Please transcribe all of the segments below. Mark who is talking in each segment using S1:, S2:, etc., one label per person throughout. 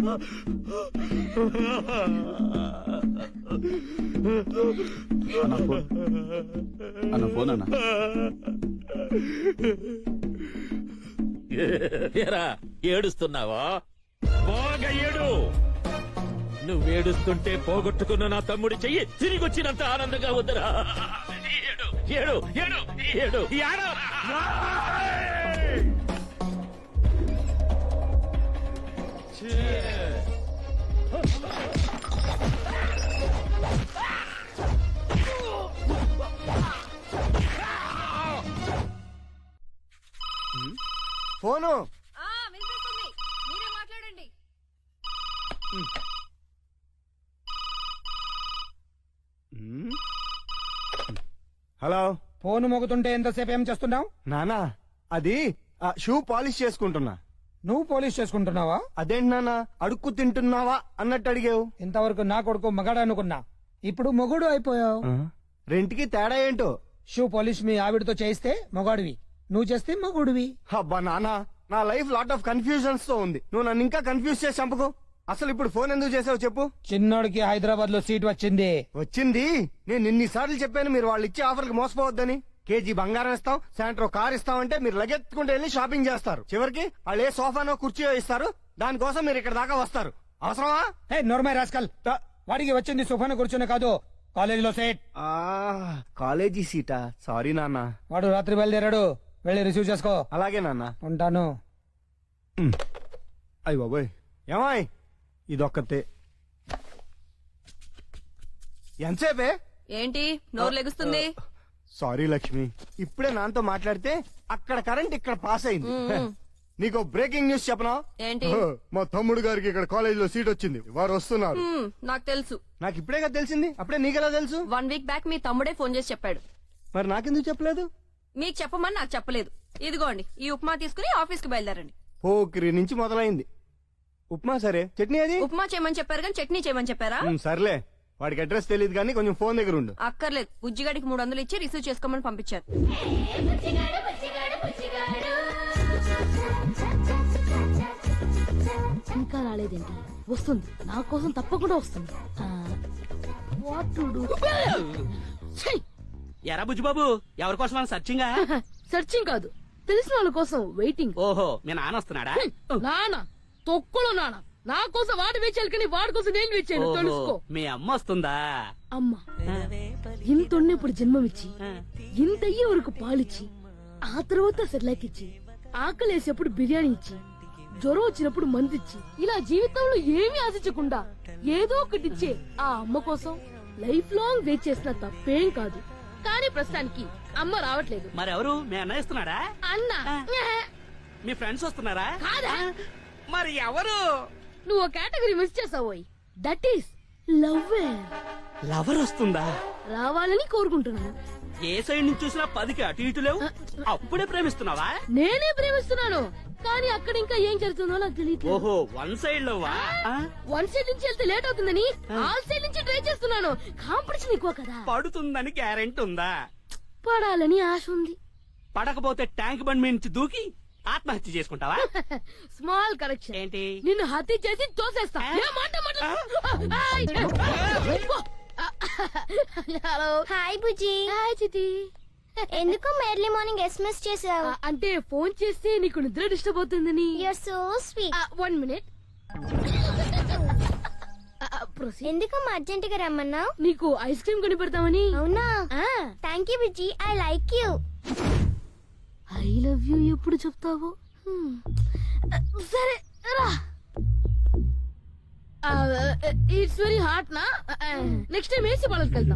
S1: అన్న ఫోన్ అన్న.
S2: ఏరా ఏడుస్తున్నావా? బాగా ఏడు. నువ్వేడుస్తుంటే పోగొట్టుకున్న నా తమ్ముడి చెయ్యి తిరిగి వచ్చినంత ఆనందంగా ఉందిరా. ఏడు ఏడు ఏడు ఏడు ఏడు.
S3: ఫోను
S4: వినిపిస్తుంది, మీరే మాట్లాడండి.
S3: హలో.
S5: ఫోన్ మోగుతుంటే ఎంతసేపు ఏం చేస్తున్నావు?
S3: నానా అది షూ పాలిష్ చేసుకుంటున్నా.
S5: నువ్వు పోలీస్ చేసుకుంటున్నావా?
S3: అదేంటి నానా అడుక్కు తింటున్నావా అన్నట్టు అడిగావు.
S5: ఇంతవరకు నా కొడుకు మగాడు అనుకున్నా, ఇప్పుడు మొగుడు అయిపోయావు.
S3: రెంట్కి తేడా ఏంటో.
S5: షూ పోలీస్ మీ ఆవిడతో చేయిస్తే మొగాడివి, నువ్వు చేస్తే మొగుడివి.
S3: అబ్బా నానా, నా లైఫ్ లాట్ ఆఫ్ కన్ఫ్యూజన్స్ తో ఉంది. నువ్వు నన్ను ఇంకా కన్ఫ్యూజ్ చేసి చంపకు. అసలు ఇప్పుడు ఫోన్ ఎందుకు చేసావు చెప్పు.
S5: చిన్నోడికి హైదరాబాద్ లో సీట్ వచ్చింది.
S3: వచ్చింది. నేను ఇన్నిసార్లు చెప్పాను మీరు వాళ్ళు ఇచ్చే ఆఫర్ కి మోసపోవద్దని. కేజీ బంగారం ఇస్తాం, సాయంత్రం కార్ ఇస్తామంటే మీరు లగెత్తుకుంటూ వెళ్ళి షాపింగ్ చేస్తారు. చివరికి వాళ్ళు ఏ సోఫానో కుర్చీయో ఇస్తారు, దానికోసం మీరు ఇక్కడ దాకా వస్తారు. అవసరమా?
S5: హే నోర్మై రాస్కల్, వాడికి వచ్చింది సుఫాను కూర్చుని కాదు, కాలేజీలో సీట్.
S3: కాలేజీ సీటా? సారీ నాన్న.
S5: వాడు రాత్రి బయలుదేరాడు, వెళ్ళి రిసీవ్ చేసుకో.
S3: అలాగే నాన్న.
S5: ఉంటాను.
S3: అయ్య బాబోయ్, ఏమాయ్ ఇదొక్కతే. ఎంతసేపే?
S4: ఏంటి నోరు లెగుస్తుంది?
S3: సారీ లక్ష్మి, ఇప్పుడే నాన్నతో మాట్లాడితే అక్కడ కరెంట్ ఇక్కడ పాస్ అయింది. నీకు బ్రేకింగ్ న్యూస్ చెప్పనా?
S4: ఏంటి?
S3: మా తమ్ముడు గారికి ఇక్కడ కాలేజీలో సీట్ వచ్చింది, వారు వస్తున్నారు.
S4: నాకు తెలుసు.
S3: నాకు ఇప్పుడే కదా తెలిసింది. అప్పుడే నీకెలా తెలుసు?
S4: 1 వీక్ బ్యాక్ మీ తమ్ముడే ఫోన్ చేసి చెప్పాడు.
S3: మరి నాకెందుకు చెప్పలేదు?
S4: మీకు చెప్పమని నాకు చెప్పలేదు. ఇదిగోండి, ఈ ఉప్మా తీసుకుని ఆఫీస్ కి బయలుదేరండి.
S3: పోకిరి నుంచి మొదలైంది. ఉప్మా సరే, చట్నీ అది?
S4: ఉప్మా చేయమని చెప్పారు కానీ చట్నీ చేయమని చెప్పారా?
S3: సర్లే, వాడికి అడ్రస్ తెలియదు కానీ కొంచెం ఫోన్ దగ్గర ఉండు.
S4: అక్కర్లేదు, బుజ్జిగాడికి 300 ఇచ్చి రిసీవ్ చేసుకోమని పంపించారు.
S6: ఇంకా రాలేదేంటి? వస్తుంది, నా కోసం తప్పకుండా వస్తుంది. What to do?
S7: ఎరా బుజ్జిబాబు, ఎవరి కోసం సర్చింగా?
S6: సర్చింగ్ కాదు, తెలిసిన వాళ్ళ కోసం వెయిటింగ్.
S7: ఓహో, మీ నాన్న వస్తున్నాడా?
S6: నాన్న తొక్కులో నాన్న నా కోసం వాడు వేచాలి కానీ వాడి కోసం నేను వేచాను, తెలుసుకో.
S7: మీ అమ్మ వస్తుందా?
S6: అమ్మ ఇంత ఇప్పుడు జన్మమిచ్చి, ఇంత అయ్యే వరకు పాలిచ్చి, ఆ తర్వాత సెర్లాక్ ఇచ్చి, ఆకలేసేప్పుడు బిర్యానీ ఇచ్చి, జ్వరం వచ్చినప్పుడు మందిచ్చి, ఇలా జీవితంలో ఏమీ ఆశించకుండా ఏదో ఒకటిచ్చే ఆ అమ్మ కోసం లైఫ్ లాంగ్ వెయిట్ చేసిన తప్పేం కాదు. కానీ ప్రస్తుతానికి అమ్మ రావట్లేదు.
S7: మరెవరు? మీ అన్న ఇస్తున్నాడా?
S6: అన్న
S7: మీ ఫ్రెండ్స్ వస్తున్నారా?
S6: కాదా?
S7: మరి ఎవరు?
S6: నువ్వు కేటగిరీ మిస్ చేసావోయ్, దట్ ఈస్ లవ్.
S7: లవర్ వస్తుందా?
S6: రావాలని కోరుకుంటున్నాను.
S7: ఏ సైడ్ నుంచి చూసినా 10కి అటు ఇటు లేవు. అప్పుడే ప్రేమిస్తున్నావా?
S6: నేనే ప్రేమిస్తున్నాను, కానీ అక్కడ ఇంకా ఏం జరుగుతుందో నాకు తెలియదు.
S7: ఓహో, 1 సైడ్ లోవా?
S6: 1 సైడ్ నుంచి వెళ్తే లేట్ అవుతుందని ఆల్ సైడ్ నుంచి ట్రై చేస్తున్నాను. కాంపిటీషన్ ఎక్కువ కదా.
S7: పడుతుందని గ్యారెంటీ ఉందా?
S6: పడాలని ఆశ ఉంది.
S7: పడకపోతే ట్యాంక్ బండ్ మీద నుంచి దూకి ఆత్మహత్య చేసుకుంటావా?
S6: Small correction.
S7: ఏంటి?
S6: నిన్ను హత్య చేసి తోసేస్తా. Hello.
S8: Hi Bujji.
S6: Hi Chiti.
S8: ఎందుకు ఎర్లీ మార్నింగ్ ఎస్ఎంఎస్ చేసావు?
S6: అంటే ఫోన్ చేస్తే నీకు నిద్ర డిస్టర్బ్ అవుతుందని.
S8: Your so sweet.
S6: 1 మినిట్.
S8: ఎందుకు అర్జెంట్ గా రమ్మన్నావు?
S6: నీకు ఐస్ క్రీమ్ కొని పెడతామని.
S8: అవునా? Thank you Bujji, I like you.
S6: I love you ఎప్పుడు చెప్తావు? సరే రా. ఇట్స్ వెరీ హాట్ నా. నెక్స్ట్ టైం ఏసీ పాలకి వెళ్తాం.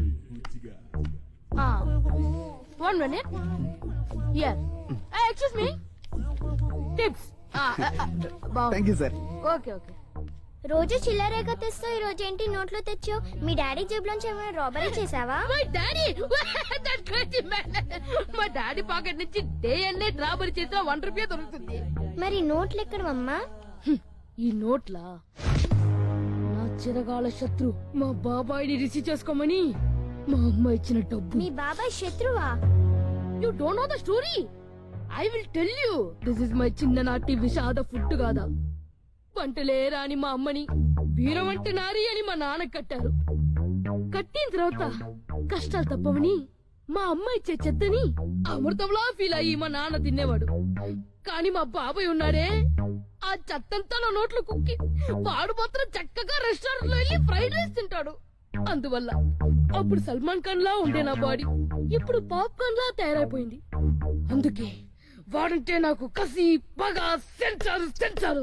S6: 1 minute. Here. Excuse me. Tips.
S1: Thank you sir.
S6: Okay okay.
S8: రోజు చిల్లరేగా తెస్తావు, ఈ రోజు ఏంటి నోట్లో తెచ్చావు? మీ డాడీ జేబులోంచి ఏమైనా రాబరీ చేసావా?
S6: My daddy, that crazy man. మా డాడీ పాకెట్ నుంచి డే అండ్ నైట్ రాబరీ చేసిన 1 రూపీ దొరుకుతుంది.
S8: మరి నోట్లు ఎక్కడమ్మా?
S6: ఈ నోట్లా నా చిరకాల శత్రు మా బాబాయిని రిసీవ్ చేసుకోమని మా అమ్మ ఇచ్చిన డబ్బు.
S8: మీ బాబాయ్ శత్రువా?
S6: You don't know the story. I will tell you. This is my చిన్ననాటి విషాద ఫుడ్ కాదా, వంటలే రాని మా అమ్మని వీరవంటి నారి అని మా నాన్న కట్టారు. కట్టిన తర్వాత కష్టాలు తప్పవని మా అమ్మ ఇచ్చే చెత్తని అమృతంలా ఫీల్ అయ్యి మా నాన్న తినేవాడు. కానీ మా బాబాయ్ ఉన్నాడే, ఆ చెత్తంతా నా నోట్లో కుక్కి వాడు మాత్రం చక్కగా రెస్టారెంట్ లో వెళ్ళి ఫ్రైడ్ రైస్ తింటాడు. అందువల్ల అప్పుడు సల్మాన్ ఖాన్ లా ఉండే నా బాడీ ఇప్పుడు పాప్కార్న్ లా తయారైపోయింది. అందుకే వాడంటే నాకు కసి పగ సెంచారు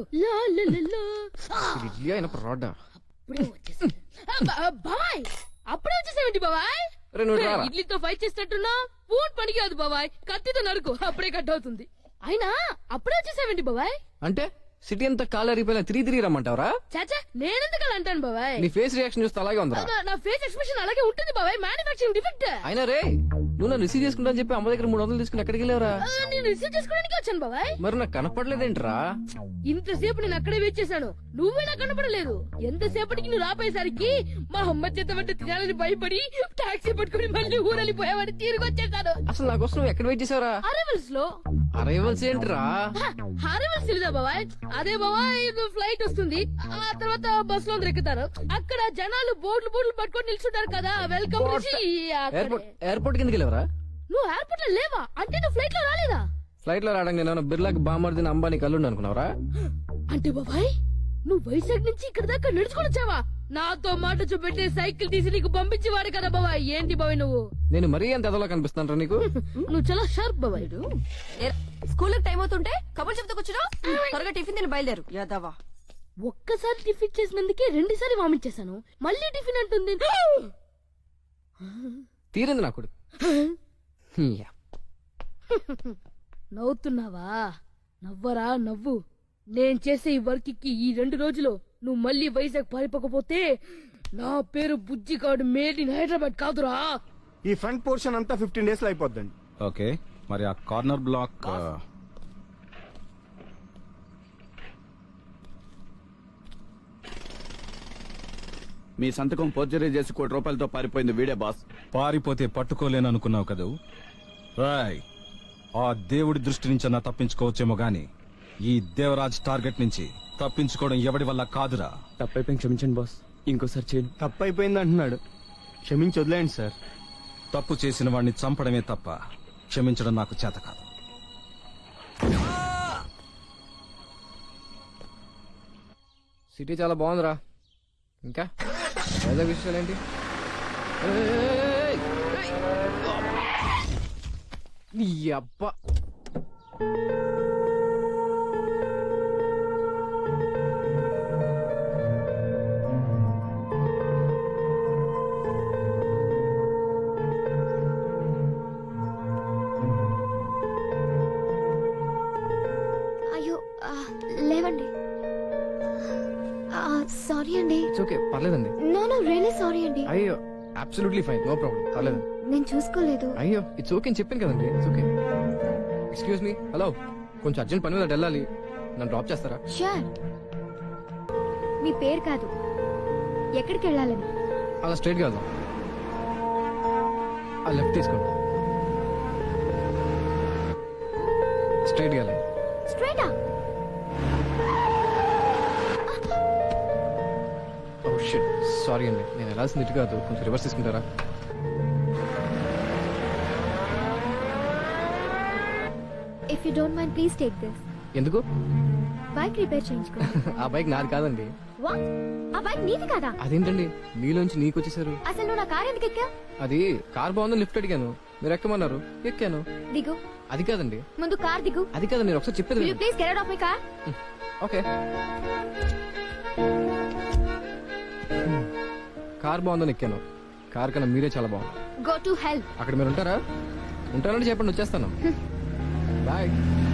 S6: బాబాయ్. అప్పుడే వచ్చేసేమిటి బాబాయ్? ఇడ్లీతో ఫైట్ చేసినట్టున్నా పూట్ పనికి కాదు బాబాయ్, కత్తితో నరుకు అప్పుడే కట్ అవుతుంది. అయినా అప్పుడే వచ్చేసేమిటి బాబాయ్?
S9: అంటే సిటీ అంతా కాలు అరిగిపోయినా తిరిగి రమ్మంటావరా?
S6: చాచా నేనెందుకు అలా అంటాను బాబాయ్?
S9: నీ ఫేస్ రియాక్షన్ చూస్తే అలాగే ఉందా?
S6: నా ఫేస్ ఎక్స్ప్రెషన్ అలాగే ఉంటుంది బాబాయ్, మ్యానుఫాక్చరింగ్ డిఫెక్ట్.
S9: అయినా రే, నువ్వు నన్ను రిసీవ్ చేసుకుంటా అని చెప్పి అమ్మ దగ్గర 300 తీసుకుని ఎక్కడికి వెళ్ళావరా?
S6: నేను రిసీవ్ చేసుకోవడానికి వచ్చాను బాబాయ్.
S9: మరి నాకు కనపడలేదేంట్రా?
S6: ఇంతసేపు నేను అక్కడే వెయిట్ చేశాను, నువ్వే నాకు కనపడలేదు. ఎంతసేపటికి నువ్వు రాపోయేసరికి మా అమ్మ చేత వంట తినాలని భయపడి టాక్సీ పట్టుకుని మళ్ళీ ఊరెళ్ళిపోయావని తిరిగి వచ్చేసాను.
S9: అసలు నా కోసం నువ్వు ఎక్కడ వెయిట్ చేసావరా?
S6: అరైవల్స్ లో.
S9: అరైవల్స్ ఏంట్రా?
S6: అరైవల్స్ తెలీదా బాబాయ్? అదే బాబాయ్, ఫ్లైట్ వస్తుంది, ఆ తర్వాత బస్ లో అందరు ఎక్కుతారు, అక్కడ జనాలు బోర్డులు పట్టుకొని నిల్చుంటారు కదా, వెల్కమ్
S9: ఎయిర్పోర్ట్ కిందకి వెళ్ళావరా?
S6: నువ్వు ఎయిర్పోర్ట్ లో లేవా? అంటే నువ్వు ఫ్లైట్ లో రాలేదా?
S9: ఫ్లైట్ లో రావడానికి నేను బిర్లాకి బామర్దిన అంబానీ కల్లుండి అనుకున్నావరా?
S6: అంటే బాబాయ్ నువ్వు వైజాగ్ నుంచి ఇక్కడ దాకా నడుచుకొని వచ్చావా? నాతో మాట చూపెట్టే సైకిల్ తీసి నీకు పంపించేవాడు కదా బాబాయ్. ఏంటి బాబాయ్ నువ్వు?
S9: నేను మరీ ఎంత ఎదలో కనిపిస్తాను నీకు?
S6: నువ్వు చాలా షార్ప్ బాబాయ్.
S4: స్కూల్ టైం అవుతుంటే కబుర్లు చెప్తూ కూర్చున్నావు. త్వరగా టిఫిన్ తిని బయలుదేరు యాదవా.
S6: ఒక్కసారి టిఫిన్ చేసినందుకే 2 సార్లు వామిట్ చేశాను, మళ్ళీ టిఫిన్ అంటుంది.
S9: తీరింది నాకు.
S6: నవ్వుతున్నావా? నవ్వరా నవ్వు. నేను చేసే ఈ వర్క్ కి ఈ 2 రోజులు నువ్వు మళ్ళీ వైజాగ్ పారిపోకపోతే నా పేరు బుజ్జిగాడు మేడ్ ఇన్ హైదరాబాద్ కాదురా.
S3: ఈ ఫ్రంట్ పోర్షన్ అంతా 15 days లో అయిపోద్దండి.
S10: ఓకే, మరి ఆ కార్నర్ బ్లాక్
S1: మీ సంతకం పోర్జరీ చేసి ₹1 పారిపోయింది వీడే బాస్.
S10: పారిపోతే పట్టుకోలేను అనుకున్నావు కదూ? రాయ్, ఆ దేవుడి దృష్టి నుంచి అన్నా తప్పించుకోవచ్చేమో గాని ఈ దేవరాజ్ టార్గెట్ నుంచి తప్పించుకోవడం ఎవడి వల్ల కాదురా.
S9: తప్పైపోయింది, క్షమించండి బాస్, ఇంకోసారి చేయను.
S3: తప్పు అయిపోయింది అంటున్నాడు, క్షమించి వదిలేండి సార్.
S10: తప్పు చేసిన వాడిని చంపడమే తప్ప క్షమించడం నాకు చేత కాదు.
S9: సిటీ చాలా బాగుందిరా. ఇంకా వైజాగ్ విషయాలు ఏంటి? నీ అబ్బా,
S8: అయ్యో లేవండి. సారీ అండి.
S9: ఓకే, పర్లేదండి.
S8: నో రియలీ సారీ అండి.
S9: అయ్యో, అబ్సల్యూట్లీ ఫైన్, నో ప్రాబ్లం, పర్లేదు.
S8: నేను చూసుకోలేదు.
S9: అయ్యో, ఇట్స్ ఓకే అని చెప్పాను కదండి. It's okay. Excuse me, hello, కొంచెం అర్జెంట్ పని మీద వెళ్ళాలి, నన్ను డ్రాప్ చేస్తారా?
S8: షూర్. మీ పేరు కాదు, ఎక్కడికి వెళ్ళాలని?
S9: అలా స్ట్రైట్ గా వెళ్దాం. ఆ లెఫ్ట్ తీసుకోండి, స్ట్రైట్ గా వెళ్ళండి.
S8: స్ట్రైటా?
S9: ఓ షిట్, సారీ అండి, నేను వెళ్ళాల్సింది ఇటు కాదు, కొంచెం రివర్స్ తీసుకుంటారా?
S8: If you don't mind please take this.
S9: ఎందుకు?
S8: బైక్ రిపేర్ చేయించుకో.
S9: ఆ బైక్ నాది కాదండి.
S8: వాట్? ఆ బైక్ నీది కాదా?
S9: అదేంటండి మీలోంచి నీకు వచ్చేసారు?
S8: అసలు నువ్వు నా కార్ ఎందుకు ఎక్కా?
S9: అది కార్ బాగుందని లిఫ్ట్ అడిగాను, మీరు ఎక్కమన్నారు, ఎక్కాను.
S8: దిగు.
S9: అది కాదండి.
S8: ముందు కార్ దిగు.
S9: అది కాదండి, నేను ఒకసారి చెప్పేది
S8: Will you please get out of my car?
S9: Okay. Car బాగుందని ఎక్కాను, కార్ కన్నా మీరే చాలా బాగుంది.
S8: Go to hell.
S9: అక్కడ మీరు ఉంటారా? ఉంటారంటే చెప్పండి, వచ్చేస్తాను. బాయ్.